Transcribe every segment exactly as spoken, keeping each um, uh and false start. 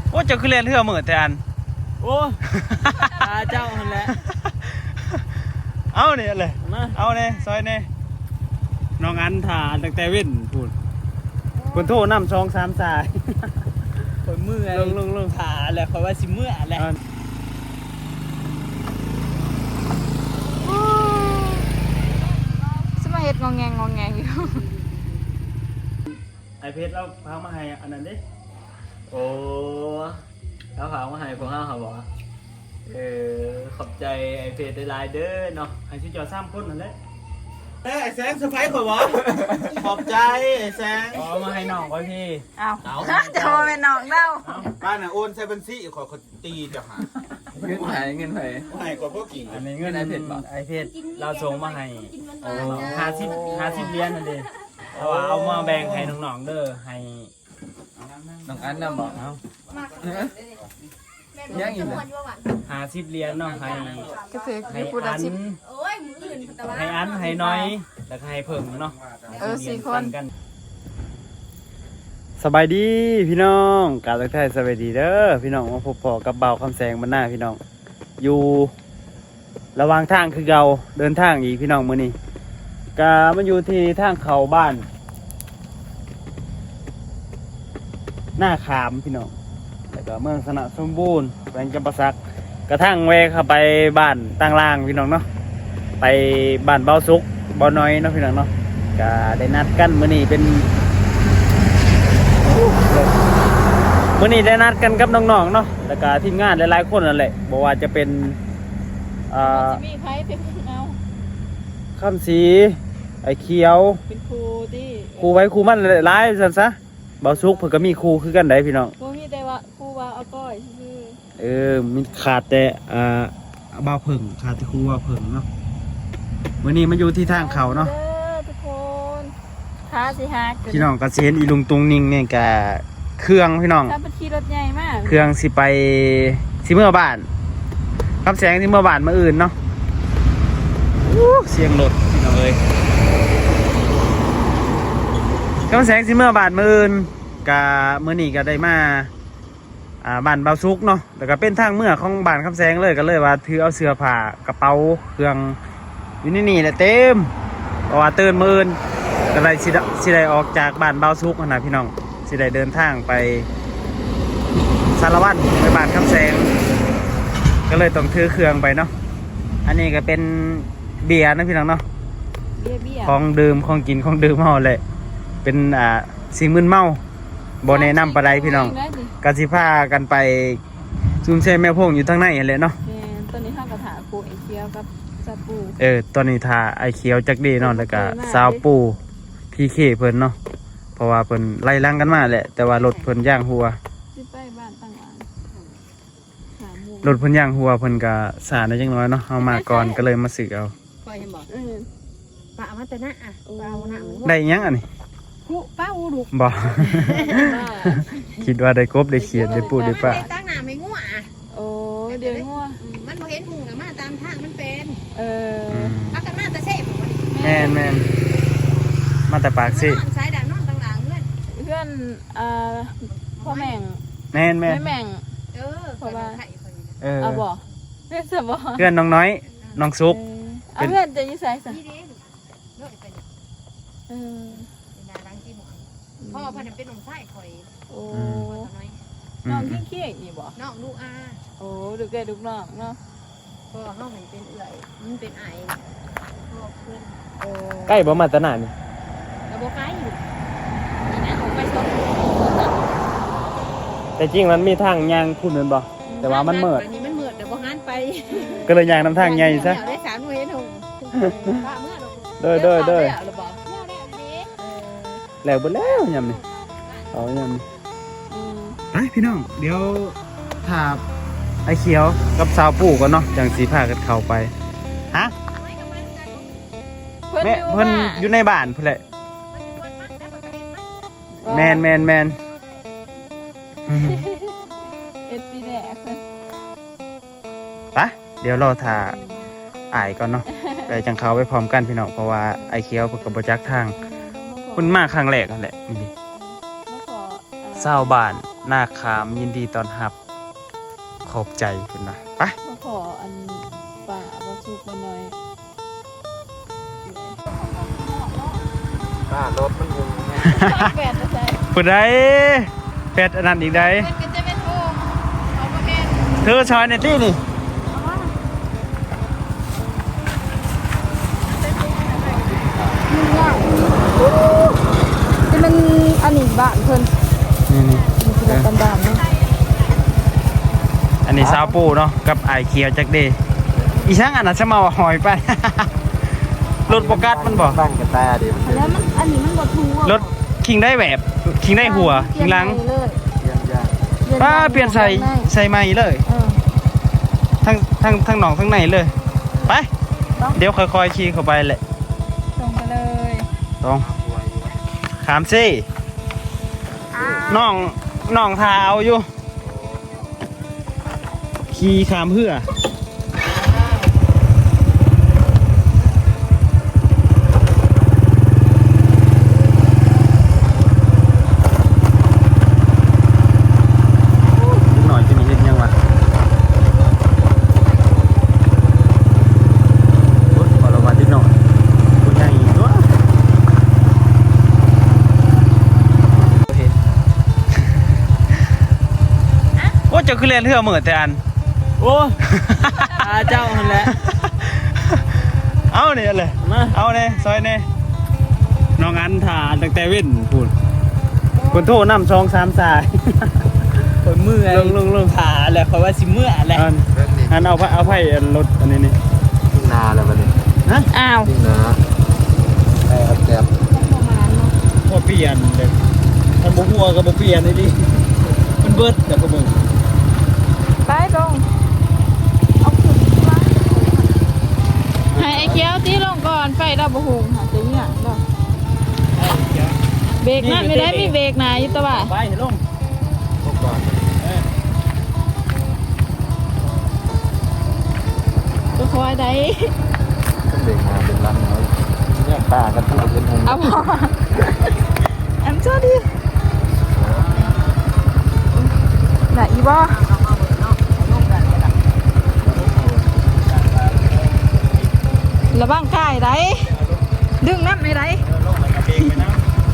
โอ้เจ้าคือเล่นเรือเหมือนแต่อันโอ้ตาเจ้าหันแหละเอาเนี่ยเลยเอาเนี่ยซอยเนี่ยน้องอันถ่าตั้งแต่เว้นพูดคนโทษน้ำซองสามสายคนเมื่อยลงลงลงถ่าแหละคอยว่าสิเมื่อแหละสมาเฮ็ดงองแงงงองแงงอยู่ไอเพชรเราพามาให้อันนั้นดิโอ้เขาฝากมาให้พวกเขาเขาบอกเออขอบใจไอเพจได้ไลน์เด้อเนาะให้ชิจอซ้ำคนนั่นแหละเอ้ยไอ้แสงเซอร์ไพรส์ข่อยวะขอบใจไอ้แสงขอมาให้น้องก็พี่อ้าวจะมาเป็นน้องเล่าบ้านน่ะโอนใส่บัญชีขอเขาตีจะหาเงินไผเงินไผให้กว่าพวกกิ่งอันนี้เงินไอเพชรไอเพชรเราส่งมาให้ห้าสิบห้าสิบเหรียญนั่นเองเอาว่าเอามาแบ่งให้น้องๆเด้อให้น้องอันน่ะบอกเอายังอีกเลยห้าสิบเหรียญเนาะให้ก็คือให้พูดอัละนสิบให้อันให้น้อยแล้วก็ให้เพิ่มเนาะเออสี่คนกันสบายดีพี่น้องกาลักไทยสบายดีเด้อพี่น้องมาพบพอกับเบาคำแสงบรรณาพี่น้องอยู่ระหว่างทางคือเราเดินทางอีกพี่น้องมื้อนี้กามันอยู่ที่ทางเขาบ้านหน้าขามพี่น้องแล้วก็เมืองสนะสมบูรณ์แขวงจำปาสักกระทั่งแวะเข้าไปบ้านตั้งล่างพี่น้องเนาะไปบ้านเบาสุกเบาน้อยเนาะพี่น้องเนาะก็ได้นัดกันมื้อนี้เป็นมื้อนี้ได้นัดกันกับน้องๆเนาะแล้วก็ทีมงานหลายๆคนนั่นแหละบอกว่าจะเป็นอ่ามีใครเป็นเอาคำสีไอ้เขียวเป็นครูที่ครูไว้ครูมันหลายซั่นซะเบาสุกเพิ่นก็มีครูคือกันได้พี่น้องครูมีแต่ว่าครูว่าเอาก้อยคือเออมีขาดแต่อ่าบ่าวเพิ่งขาดแต่ครูบ่าวเพิ่งเนาะมื้อนี้มันอยู่ที่ทางเขาเนาะเด้อทุกคนท้าสิฮักพี่น้องก็สิเห็นอีลุงตุงนิ่งเนี่ยก็เครื่องพี่น้องถ้าเป็นขี่รถใหญ่มากเครื่องสิไปสิเมื่อบ้านคำแสงสิเมื่อบ้านมาอื่นเนาะอู้เสียงรถพี่น้องเอ้ยคำแสงสิเมื่อบ้านมาอื่นกะมื้อนี้ก็ได้มาอ่าบ้านเบาซุกเนาะแล้วก็เป็นทางเมื่อของบ้านคำแสงเลยก็เลยว่าถือเอาเสื้อผ้ากระเป๋าเครื่องอยู่นี่นี่แหละเต็มเพราะว่าตื่นมื้ออื่นก็เลยสิได้สิได้ออกจากบ้านเบาซุกหั่นนะพี่น้องสิได้เดินทางไปสารวัตรไปบ้านคำแสงก็เลยต้องถือเครื่องไปเนาะอันนี้ก็เป็นเบียร์นะพี่น้องเนาะเบี้ยเบี้ยของดื่มของกินของดื่มเฮาเลยเป็นอ่าสิ่งมึนเมาบ่แนะนำปานใดพี่น้องกะสิพากันไปซุมเซ่แม่พงอยู่ทางในนั่นแหละเนาะแม่ตอนนี้ข้าวกระถาครูไอเคียวกับซาปูเออตอนนี้ทาไอเขียวจักดีเนาะแล้วก็สาวปูพีเคเพิ่นเนาะเพราะว่าเพิ่นไล่ลังกันมาแหละแต่ว่ารถเพิ่นย่างหัวสิไปบ้านตั้งหลังสามโมงรถเพิ่นย่างหัวเพิ่นก็สาได้จังน้อยเนาะเฮามาก่อนก็เลยมาซื้อเอาคอยเห็นบอกเออป้าเอามาแต่หน้าอ่ะป้าเอาหน้ามันได้หยังอันนี้กูป้าอูดุกบ่ คิดว่าได้กบได้เขียดได้ปูได้ปลาตั้งหน้าไม่ง่วอ่ะโอ้เดี๋ยวงัวมันบ่เห็นหุงมาตามทางมันเป็นเอออืมพักกันมาแต่เซ่แม่นแม่นมาแต่ปากสินอนสายด่างนอนต่างหลังเพื่อนเพื่อนอ่าพ่อแม่งแม่นแม่นแม่แม่งเออเพราะว่าไข่คนเออเอาบ่เพื่อนจะบ่เพื่อนน้องน้อยน้องซุกเอาเพื่อนจะอยิ่ใส่สันี่เด้เลิกไปเนี่ยเออเป็นดารังที่หมอนพ่อพันเป็นหนุ่มไส้คอยโอ้น้อยอืน้องมขี้เขี้ยนี่บ่น้องลูกอาโอ้ดูแกดูน้องเนาะพ่อเขาเห็นเป็นเอื่อยมันเป็นไอพ่อเพื่อนโอ้ใกล้บ่มาตะหนานี่แล้วบอกไก่อยู่นี่นะผมไปชมแต่จริงมันมีทางยางคุณนั่นบ่แต่ว่ามันมืดนี่มันมืดเดี๋ยวบอกงั้นไปก็เลยยางนำทางใหญ่ซะได้สามเห็นหงป้าเมื่อเราเด้อเด้อเด้อหรือบ่แล้วบ่แล้วยำนี่เอายำนี่อืมไปพี่น้องเดี๋ยวถ้าไอ้เขียวกับสาวปู่ก่อนเนาะจังสีพากันเข้าไปฮะเพิ่นแม่อยู่เพิ่นว่าอยู่ในบ้านพุ่นแหละแมนแมนแมนเอ็ดปีแดกเพิ่นไปเดี๋ยวเราถ่าอายก่อนเนาะไปจังเขาไปพร้อมกันพี่น้องเพราะว่าไอ้เขียวเพิ่นก็บ่จักทางเพิ่นมาครั้งแรกนั่นแหละนี่มาขอเศร้าวบ้านหน้าขามยินดีต้อนรับขอบใจคุณนะไปมาขออันป่าบาสุกมาหน่อยป้ารถมันอยู่แปดนะใช่ผู้ใดเป็ดอันนั้นอีกใดเป็นก็จะเป็นโฮมเอาประเภทเธอชอยในที่นี่จะเป็นอันนี้บ้านเพิ่นนี่นี่มีกินกันดามเนาะอันนี้ซาวปูเนาะกับไอเคียวจักเดอีช่างอันนั้นจะมาว่าหอยไป รถโปกัสมันบอกบ้านกระแตดิมันเป็นแล้วมันอันนี้มันบ่ทูอ่ะรถคิงได้แบบคิงได้หัวคิงหลังเลยเยี่ยมยากป้าเปลี่ยนใส่ใส่ใหม่เลยเออทั้งทั้งทั้งหนองทั้งในเลยไปเดี๋ยวค่อยๆขี่เข้าไปแหละส่งไปเลยตรงขามซี่น้องน้องทาเอาอยู่ขี่ขามเพื่อหน่อยจะมีเห็นยังวะโอ๊ยขอระวังนิดหน่อยคุณยังอีกตัวโอ้เจ้าคือเรียนเรือเหมือนแต่อันโอ้อาเจ้าหันแหละเอาเนี่ยเลยมาเอาเนี่ยซอยเนี่ยน้องอันถ่าตั้งแต่เว้นพูดคนโทษน้ำซองสามสายคนมือลงลงลงขาแหละเขาว่าสิมือแหละอันอันเอาไพ่เอาไพ่รถอันนี้นี่ทุ่งนาแล้วมันนี่ฮะอ้าวทุ่งนาไอ้อัดแก๊บประมาณเนาะพอเปลี่ยนเด็กมันบุหัวกับบุเปลี่ยนนี่ดิมันเบิดแต่ก็มึงไปลงเอาขึ้นมาให้ไอ้เคี้ยวตีลงก่อนไฟดาวบ่ฮู้หาจะเนี่ยดอกเบรกนั่นไม่ได้มีเบรกนะอยู่ตะว่าไปลงพวกก่อนก็คอยได้ต้องเบรกมาเป็นลำน้อยเนี่ยป้ากันทุกเป็นหงเอาพอแอมชอบดิไหนอีบ่ระวังกายได้ดึงน้ำไม่ได้ลงแล้วก็เบรกไปนะ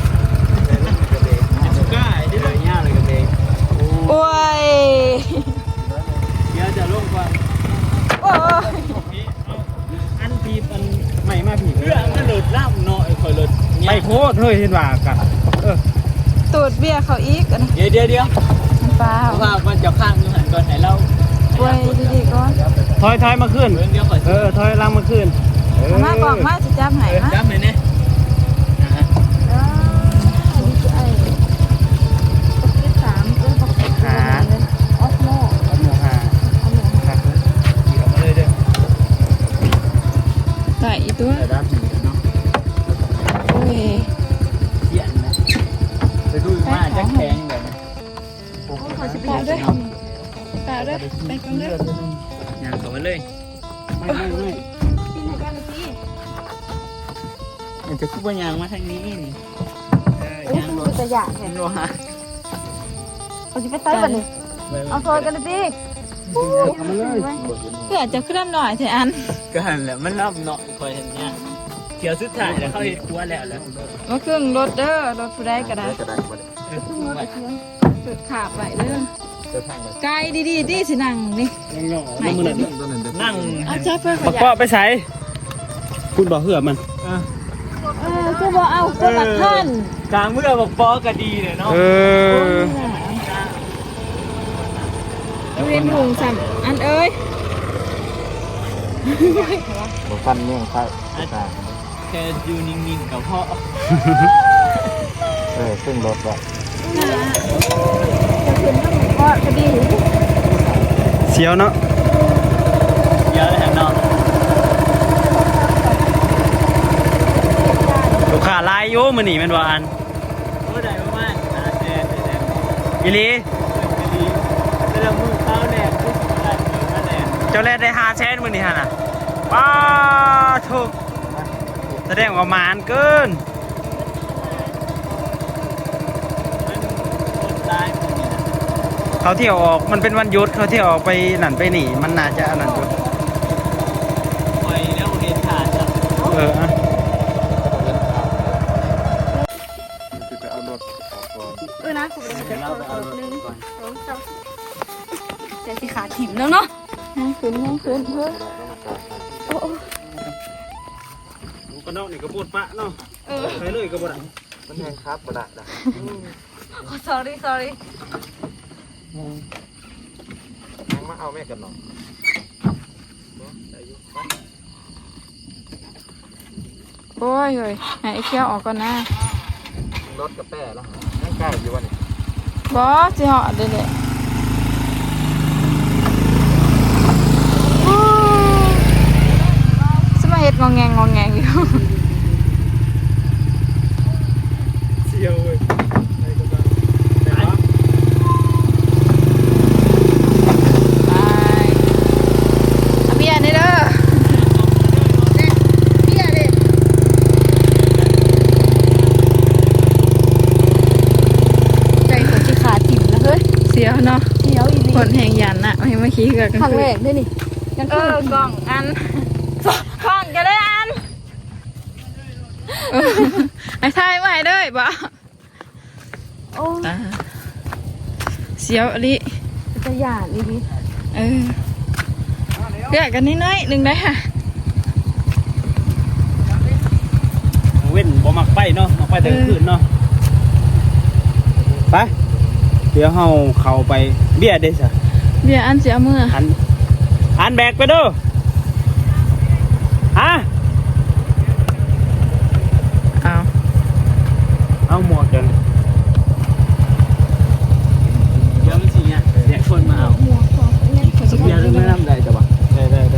สุก้าไอ้ที่ไหนเนี่ยเลยกับเบรกโอ้ยเดี๋ยวจะลงก่อนโอ้ยอันพีอันใหม่มาผีเรื่องมันหลุดล่ำเนาะไอ้คอยหลุดไปโคตรเฮ้ยเห็นว่ากันเออตูดเบี้ยเขาอีกอะนะเดี๋ยวเดี๋ยวเดี๋ยวเปล่าว่ามันจะข้างอยู่หันก่อนไหนเราโอ้ยดีๆก่อนถอยถอยมาขึ้นเดี๋ยวเดี๋ยวขอเออถอยหลังมาขึ้นเออมากล่องมาจะจับไหนมาจำเลยเนี่ยเอออันนี้คือไอ้ปักเก็ตสามเออปักเก็ตสามเลยออฟโม่เอาหมูหาเอาหมูครับขี่ออกมาเลยเด้อใส่อีตัวแต่ด้านผีเนาะโอ้ยเขียนนะไปดูมาจะแข็งแบบนี้ขอชิบะด้วยปะด้วยไปกันด้วยอย่างต่อมาเลยไม่ไม่ไม่กินให้กันสิมันจะคุบว่ายางมาทางนี้นี่โอ้ยคือจะอยากเห็เห็นนว่าเอาสิไปใส่บัดนี้เอาซอยกันเลยสิเอามาเลยเพื่อจะขึ้นหน่อยเถอะอันก็หันแหละมันรับเนาะคอยเห็นเนี่ยเที่ยวสุดท้ายแล้วเขาเห็นครัวแล้วแล้วมาครึ่งรถเด้อรถผู้ใดก็ได้กระไดมาเลยเออครึ่งรถไอ้เคี้ยวเปิดขาบไปเด้อเดินทางไปไกลดีๆดีสินั่งนี่ยังย่อน้ำมือหนึ่งต้นนั้นเดินนั่งเอาใช้เพื่อขบักยัเปาะไปใส่คุณบอกเหือมันเออคือบ่เอาคือบักท่านกลางเมื่อบอกปอก็ดีเลยเนาะเออเรียนหุงสัมอันเอ้ยบอกฟันเนี่ยใช่ใช่แค่อยู่นิ่งๆกับพ่อเออซึ่งรถว่ะจะขึ้นต้องก็คดีเสียวเนาะเยอะเลยเนาะลูกค้าลายอยู่มื้อนี้แม่นบ่อันโอ้ได้มากๆนะแดดแดดอีหลีดีแต่ละมือเขาแดดทุกอะไรก็แดดเจ้าแลได้ห้าแสนมื้อนี้หั่นน่ะป้าถูกแสดงว่ามานเกินมันคนตายมันนี่นะเขาเที่ยวออกมันเป็นวันหยุดเขาเที่ยวออกไปนั่นไปนี่มันน่าจะอันนั้นอยู่ไปแล้วเรียนขาดจ้ะเอออะเออนะผมจะเดี๋ยวเอาหนึ่งสองสามแต่สิขาถิ่มแล้วเนาะนั่งขึ้นนั่งขึ้นเพิ่นโอ้โอ้ก็นอกนี่ก็ปวดปะเนาะเออไปเลยก็บ่ได้มันแห้งครับบ่ได้นะโอ้ sorry sorry มาเอาแม่กันเนาะโอ้ยเฮ้ยให้ไอ้เคี้ยวออกก่อนนะรถกระแป้แล้วนั่งใกล้อยู่วะนี่บอสสิเหาะเด้อๆสมาเฮ็ดงองแงงงองแงงอยู่เสียวเว้ยไปก็ได้ไปวะไปเอาเบียร์นี่เด้อเบี้ยเลยใจเขาสิขาดถิ่มแล้วเฮ้ยเสียวเนาะเดี๋ยวอีกคนแห่งยันน่ะไม่มาขี้กันครั้งแรกด้วยนี่ยังเออกล่องอันกล่องก็ได้อันเออไอ้ทายมาให้เด้อบ่โอ้อ่าเสียวอลิจะหยาดอีกทีเออเรียกกันนิดหน้อยหนึ่งได้ค่ะเว้นบ่มักไปเนาะมักไปแต่กลางคืนเนาะไปเดี๋ยวเฮาเข้าไปเบี้ยเด้ซะเบียร์อันเสียมืออันอันแบกไปเด้อฮะเอาเอาหมวกกันเดี๋ยวมันสิเนี่ยเดี๋ยวคนมาเอาหมวกของเนี่ยสุเบียร์ไม่นำได้จ้ะวะได้ได้ได้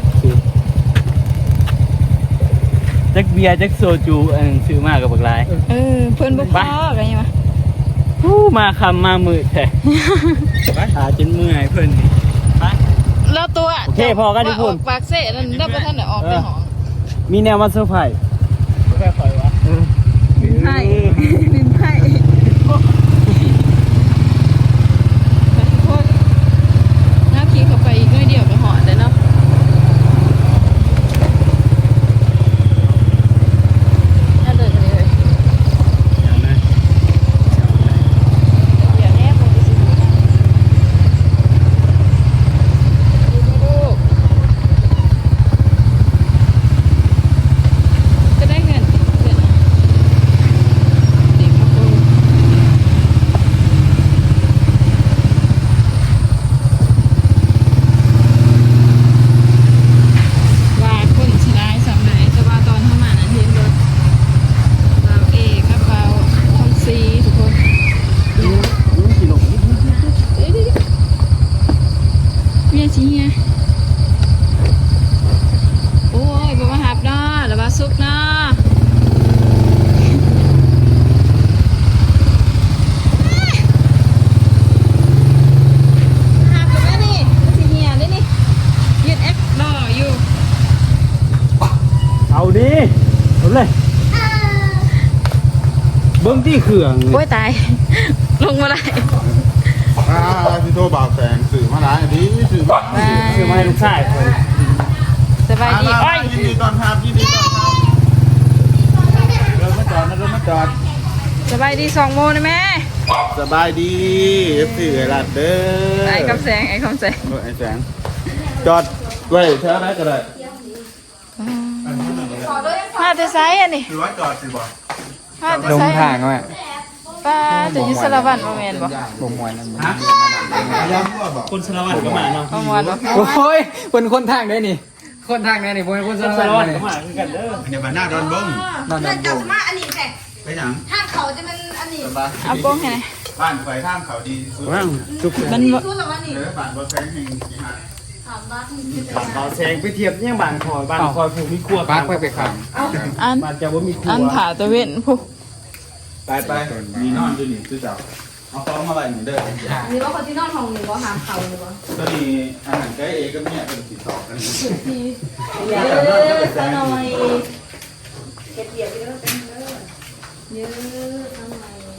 จักเบียร์จักโซจูอันซื้อมากับบักลายเออเพิ่นบ่พอกันยังไงฮู้มาคำมามือแท้หาจนเมื่อยเพิ่นนี่ไปแล้วตัวโอเคพอกันทุกคนว่าออปากเซ่นั่นได้บ่ทันได้ออกแต่หองมีแนวมาเซอร์ไพรส์แค่คอยวะไพ่ลินไพ่ทุกคนน้าขี่เข้าไปอีกน้อยเดียวก็หอดเลยเนาะน่าเดินเลยเดี๋ยวแน่ผมจะสิดูนะดูลูกก็ได้เงินเดือนละเด็กครับลูกว่าคนชนะสำไหนแต่ว่าตอนเข้ามานั้นเห็นรถเราเอกกับเราทองซีทุกคนเดี๋ยวเดี๋ยวเดี๋ยวเมียชี้ไงโอ้ยบ่มาหับเนาะหรือว่าซุกเนาะหับอยู่ไหมนี่มันสิเหี่ยเลยนี่ยืดแอปรออยู่เอาดิเอาเลยเบิ้งที่เครื่องโอ้ยตาย ลงมาได้อ่าที่โทรบ่าวแสงสื่อมาหลายดีสื่อมาบายคือมาให้ลูกชายเพิ่นสบายดีอ่าโอ้ยยินดีตอนทำยินดีตอนทเริ่มมาจอดนะเริ่มมาจอดสบายดีสองโมงนะแม่ำสบายดีเอฟซีไอ้ลัดเด้อไอ้คำแสงไอ้คำแสงเออไอ้แสงจอดไว้แถวไหนก็ได้มาแต่ไซส์อันนี้คือว่าจอดสิบ่มาแต่ไซส์ป้าจะอยุสระวันมาแมนบ่ย้ำว่าบอกคนสารวัตรก็มาเนาะประมวลบ่โอ้ยคนคนทางได้นี่ คนทางได้นี่คนคนคสาน รสารวัวัตตรรก็นี่มาคือกันเด้อเดี๋ยวมาหน้าดอนเบิ้งนั่นนั่นกลับมาอันนี้แท้ไปหยังทางเขาจะเป็นอันนี้เอากล้องให้หน่อยบ้านไฟท่ามเขาดีสุดว่างทุกคนมันบ่สู้แต่ว่านี่เออบ้านบ่แสงแห่งสีหาถามว่าที่บ้านเขาแซงไปเทียบยังบ้านคอยบ้านคอยผูกมีครัวปักไปไปขังอันบ้านจะว่ามีครัวอันผ่าตะเวนพวกไปไปมีนอนอยู่นี่ซื้อเจ้าเอาของมาไว้นี่เด้อนี่ว่าคนที่นอนห้องหนึ่งว่าหามเขาหรือว่าก็มีอาหารใกล้เอกับเนี่ยเป็นสีทองกันทีเยอะซะหน่อยเก็บเกี่ยวไปแล้วเป็นเยอะเยอะทำไมไป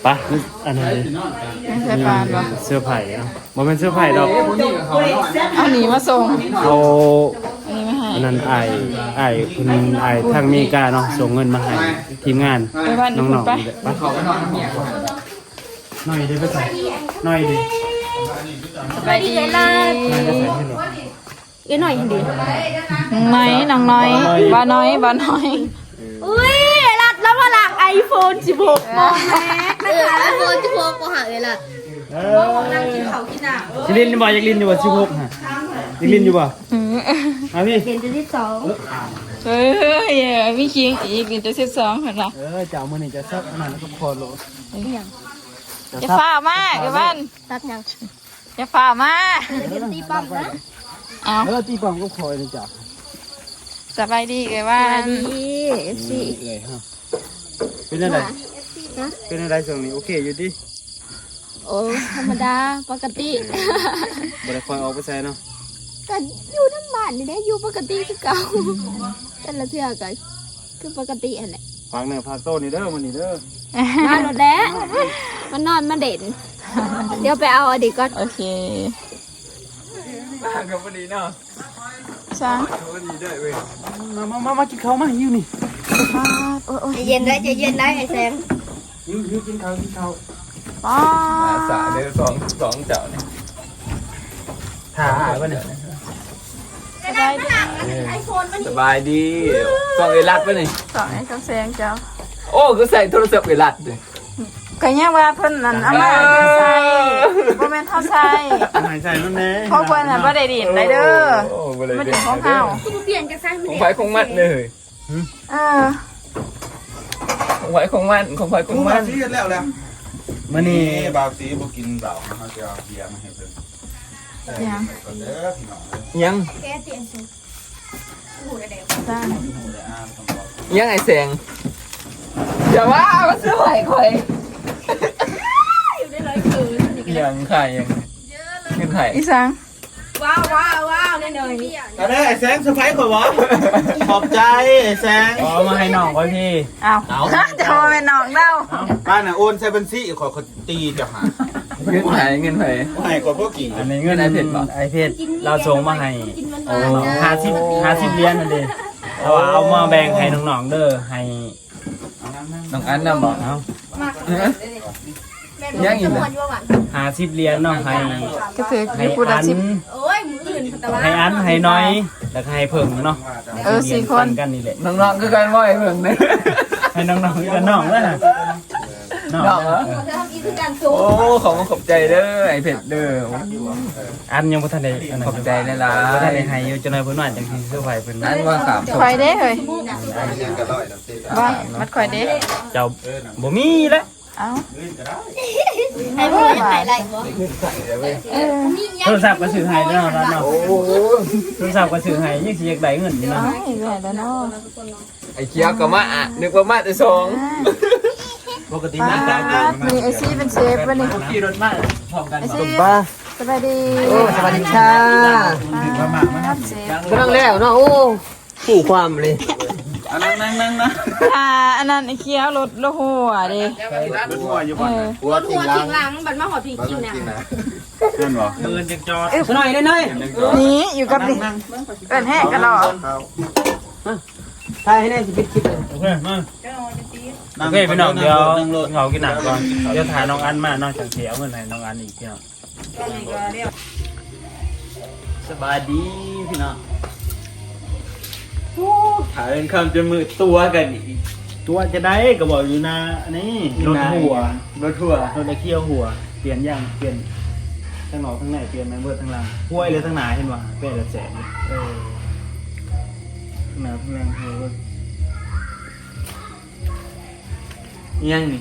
ปะอันนั้นดิไม่ใช่ปานบ่เสื้อไผ่เนาะบ่เป็นเสื้อไผ่ดอกเอาหนีมาส่งเขาอันนี้ไม่ให้อันนั้นไอ้ไอ้คุณไอ้ทางอเมริกาเนาะส่งเงินมาให้ทีมงานไปบ้านน้นี่องคุณๆไปนี่แหละไปเขาไปนอนน้ำเมียก่อนหน่อยดิไปใส่หน่อยดิไปดีหน่อยไปใส่ให้หน่อยเอ้ยหน่อยเดียวน้อยน้องน้อยบ้าน้อยบ้าน้อยอุ้ยรัดแล้วมาหลังไอโฟนสิบหกโมแม็กนะคะไอโฟนสิบหกก็หาเอ้ยล่ะเออจิลินบ่อยากลินอยู่บ่สิบหกฮะอยากลินอยู่บ่เอาพี่เรียนจะที่สองเฮ้ยมีคิงอีกนี่จะสิบสองเหรอเออเจ้ามื้อนี้จะซักอันนั้นแล้วก็พอโลอย่าฝ่ามาเดี๋ยวบ้านรับยังอย่าฝ่ามาเรียนตีปั๊มนะเอาเออตีปองก็คอยเลยจ้ะสบายดีเอ้ยบ้าสวัสนดีเอฟซีเลยฮะเป็นอะไรเป็นอะไรช่วงนี้โอเคอยู่ดิโอ้ธรรมดาปกติบ่ได้คอยออกไปใส่เนาะก็อยู่น้ำบ้านนี่แหละอยู่ปกติคือเก่าแต่ละเทื่อก็คือปกติอันแหละฝากเนื้อฝากโต้นี่เด้อมื้อนี้เด้อมาโดดแล้วมันนอนมาเด่นเดี๋ยวไปเอาอดีตก่อนโอเคมากับพอดีเนาะช้างพอดีด้วยเว้ยมามามามากินข้าวมาหิวนี่โอ้ยโอ้ยใจเย็นได้ใจเย็นได้ไอ้แซงหิวหิวกินข้าวกินข้าวป้าสาเดือสองสองเจ้าเนี่ยถ่าอ่ะบ่เนี่ยสบายดีไอโฟนมันสบายดีสองเอรัดป่ะนี่สองไอ้กำแสงเจ้าโอ้ก็ใส่โทรศัพท์เอรัดเลยก็ยังว่าเพิ่นนั่นเอามาใส่บ่แม่นเฮาใส่หายใจนั่นแน่เพราะเพิ่นน่ะบ่ได้ดินได้เด้อโอ้บ่เลยมันเด็ดินของเฮากูเปลี่ยนกระซังของไฟของมันเลยเออของไฟของมันของไฟขกูองมามันซีกันแล้วแล้วมื้อนี้นี่บาวซีบ่กินเหล้าเขาจะเอาเบียร์มาให้เพิ่นยังก่อนเด้อพี่น้องเด้อยังแกเปลี่ยนสูตรจ้าหมูได้อ้ามต้องบอกยังไงแสงอย่าว่ามันสวยคอยอยู่ได้ร้อยคืนยังไข่ยังยังไข่อีสังว้าวว้าวว้าวแน่นอนอันนี้ไอ้แซงสไปข่อยวะขอบใจไอ้แซงอ๋อมาให้น้องไว้พี่อ้าวจะมาเป็นน้องเด้าบ้านน่ะโอนใช้บัญชีขอขอตีเจ้าหาเงินไผ่เงินไผ่ให้กว่าพวกกี่อันนี้เงินไอ้เพชรบ่ไอเพชรเราส่งมาให้กินมันโอ้มาห้าสิบห้าสิบเหรียญนั่นเองเอาว่าเอามาแบ่งให้น้องๆเด้อให้น้องอันน่ะบอกเอายังอีกเลยห้าสิบเหรียญเนาะให้ก็คือให้มีผู้ละอันสิบโอ้ยมืออื่นแต่ว่าให้อันให้น้อยแล้วก็ให้เพิ่งเนาะเออสี่คนกันนี่แหละน้องๆก็กันว่าไอ้เพิ่งเนี่ยให้น้องๆกันน้องแล้วนะน้องน้องเหรอเออทำอีกการสูงโอ้ของขอบใจเด้อไอ้เพชรเด้ออันยังบ่ทันได้อันนั้นขอบใจหลายบ่ทันได้ๆให้อยู่จังได๋เพิ่นว่าจังสิเซอร์ไพรส์เพิ่นอันว่าสามศพคอยเด้เฮ้ยบ้ามัดคอยเด้เจ้าบ่มีแล้วเอ้าไอ้พวกนี้ใส่อะไรบ่เออโทรศัพท์ก็ซื้อให้เนาะร้านเนาะโทรศัพท์ก็ซื้อให้ยังสิอยากได้เงินนี่เอ้าเนาะเห็นแล้วเนาะไอ้เคี้ยวก็มาอ่ะนึกว่ามาแต่สองปกติป้ามาตามมีไอซี่เป็นเชฟวันนี้ขี่รถมาพร้อมกันไอบ่ซี่สบายดีโอ้สวัสดีค่ะป้าเชฟกำลังแล้วเนาะโอ้ผู้ความเลยอันนั่งนั่งนั่งนะอ่าอันนั้นไอเคี้ยวรถรถหัวดิหัวอยู่เอบ่อหัวหัวทิ้งหลังบัดมาหอดพี่กินน่ะนั่นบ่เดินจังจอดหน่อยหน่อยนี่อยู่กับดิเอิ้นแห้กันหรอถ่ายให้แน่สิปิดคลิปเลยโอเคมาโอเคพี่น้องเดี๋ยวเขากินหนังก่อนเดี๋ยวถ่ายน้องอันมาน้องจังเสียเงินให้น้องอันอีกพี่น้องสบายดีพี่น้องถ่ายเป็นคำจนมือตัวกันอีกตัวจะได้ก็บอกอยู่นะอันนี้รถหัวรถทัวร์รถไอเคี่ยวหัวเปลี่ยนยังเปลี่ยนทั้งหนอกทั้งในเปลี่ยนไหมเบิร์ทั้งหลังห้วยเลยทั้งหนาเห็นป่ะเป็นละแสนเลยเออทั้งหนาทั้งหลังเฮ้ยยังนี่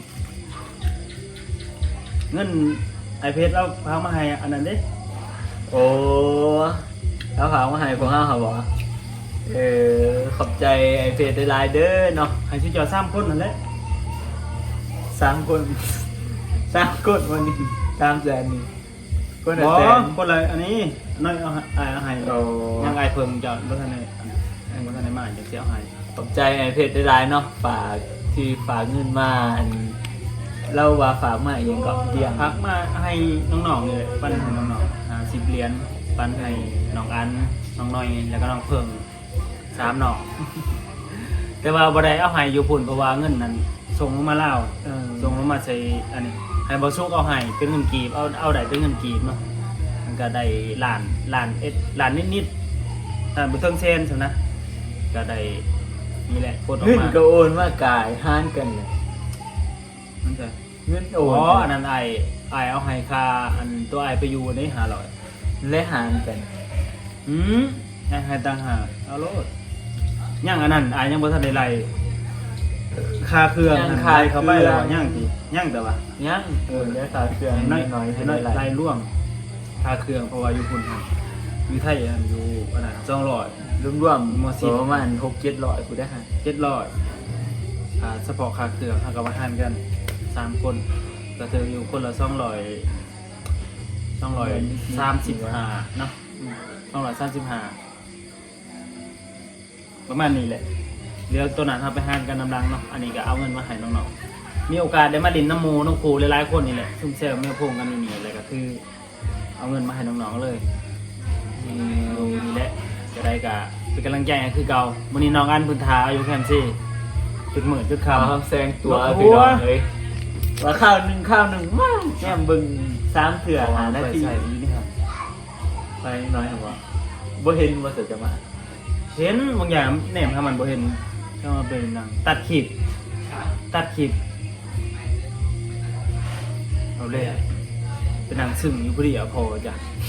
เงินไอเพชรเราพามาให้อันนั้นเด้โอ้แล้วเขามาให้พวกห้าเขาบอกเออขอบใจไอ้เพชรได้หลายเด้อเนาะให้ชิจอสามคนนั่นแหละสามคนสามคนวันนี้สามแสนนี่คนบละอแสนคนละอันนี้น้อยเอาให้เอาให้โอ้ยังไอเพิ่มจะรถทันในรถทันในมาจะเสียให้ขอบใจไอ้เพชรได้หลายเนาะฝากที่ฝากเงินมาอันเราว่าฝากมาเองก็เดียงพักมาให้น้องๆเลยปั้นให้น้องๆอ่าสิบเหรียญปั้นให้น้องอันน้องน้อยแล้วก็น้องเพิ่งสามน้อง แต่ว่าบ่ได้เอาให้อยู่พุ่นเพราะว่าเงินนั้นส่งลงมาลาวเออส่งลงมาใส่อันนี้ให้บ่สุกเอาให้เป็นเงินกีบเอาเอาได้เป็นเงินกีบเนาะมันก็ได้ล้านล้านเอ็ดล้านนิดๆถ้าบ่ถึงเซนซั่นนะก็ได้นี่แหละกดออกเงินมาก็โอนมากายห้านกันเลยมันจะเงินโออ๋อน อันนั้นไอ้ไอ้เอาให้ค่าอันตัวไอ้ไปอยู่ในห้าร้อยและหารกันอืมไอ้ให้ต่างหากเอาโลดยังอันนั้นไอ้ยังบ่ทันได้ไล่ค่าเครื่องอันไล่เข้าไปแล้วยังติยังแต่ว่ายังเออแล้วค่าเครื่องให้น้อยน้อยให้ให้น้น้ออย ยไล่ร่วมค่าเครื่องเพราะว่าอยู่พุ่นหั่นอยู่ไทยอันอยู่อันนั้นสองร้อยรวมรวมหมดสิประมาณหกเจ็ดร้อยกูได้หาเจ็ดร้อยอ่าเฉพาะค่าเครื่องเฮาก็มาหารกันสามคนก็ถืออยู่คนละสองร้อยสองร้อยสามสิบห้าเนาะสองร้อยสามสิบห้าประมาณนี้แหละเดี๋ยวตัวนั้นเราไปหารกันนำรังเนาะอันนี้ก็เอาเงินมาให้น้องๆมีโอกาสได้มาดินน้ำหมูน้องครูหลายๆคนนี่แหละซุ่มแซวแม่พงกันนี่นี่เลยก็คือ เอาเงินมาให้น้องๆเลยนี่นี่แหละจะได้กะเป็นกำลังใจให้คือเก่าวันนี้น้องอันพื้นทาอายุแคมซี่ตึกหมื่นตึกข่าวคำแซงตัวโอ้โหพี่น้องเลยว่าข้าวหนึ่งข้าวหนึ่งว้าวแก้มบึงสามเถื่อหาหน้าที่ใส่ดีนี่ครับไปน้อยครับว่าบ่เห็นว่าเสือจะมาเห็นบางอย่างแหนมทำมันบ่เห็นก็มาเป็นหนังตัดคลิปตัดคลิปเอาเลยเป็นหนังซึ่งอยู่พอดีเอาพอจ้ะ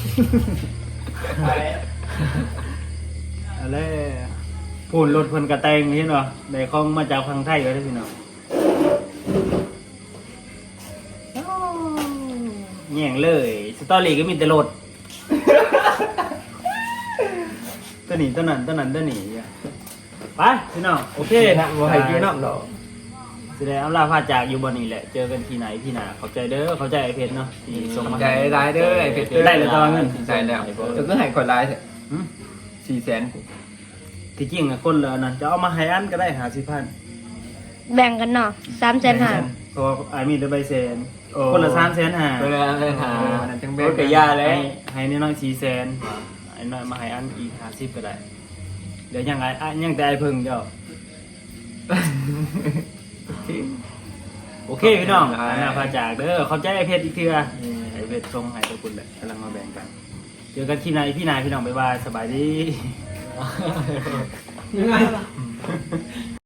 เอาเลยพูนรถเพิ่นกระแตงเห็นบ่ได้ของมาจากทางไทยไว้เด้อพี่น้องแย่งเลยสตอรี่ก็มีแต่รถ ตัวนี้ตัวนั้นตัวนั้นตัวนี้อย่าไปพี่น้องโอเคบ่ให้กินน้ำดอกแสดงอำลาพาจากอยู่บนนี้แหละเจอกันที่ไหนที่ไหนขอบใจเด้อขอบใจไอเพชรเนาะที่ส่งมาใจร้ายเด้อไอ้เพชรได้เลยตอนเงินใจแล้วจะก็ให้คนร้ายเถอะหืมสี่แสนกูที่จริงอะคนละนั่นจะเอามาให้อันก็ได้หาสิพันแบ่งกันเนาะสามแสนห้าเพราะว่าไอ้มีแต่ใบเซนคนละสามแสนหาเวลาเลยหานั่นจังโบเบ้กบยาแล้ให้วให้น้อยๆสี่แสนไอ้น้อยมาให้อันอีกหาสิบก็ได้เดี๋ยวยังไงอ่ะยังแต่ไอ้เพิ่งเจ้า โอเคพี่น้องอันน่าพาจากเด้อขอบใจไอเพชรอีกเทื่อไอเพชรทรงให้ทุกคนแหละกำลังมาแบ่งกันเจอกันที่ไหนพี่นายพี่น้องบ๊ายบายสบายดียังไง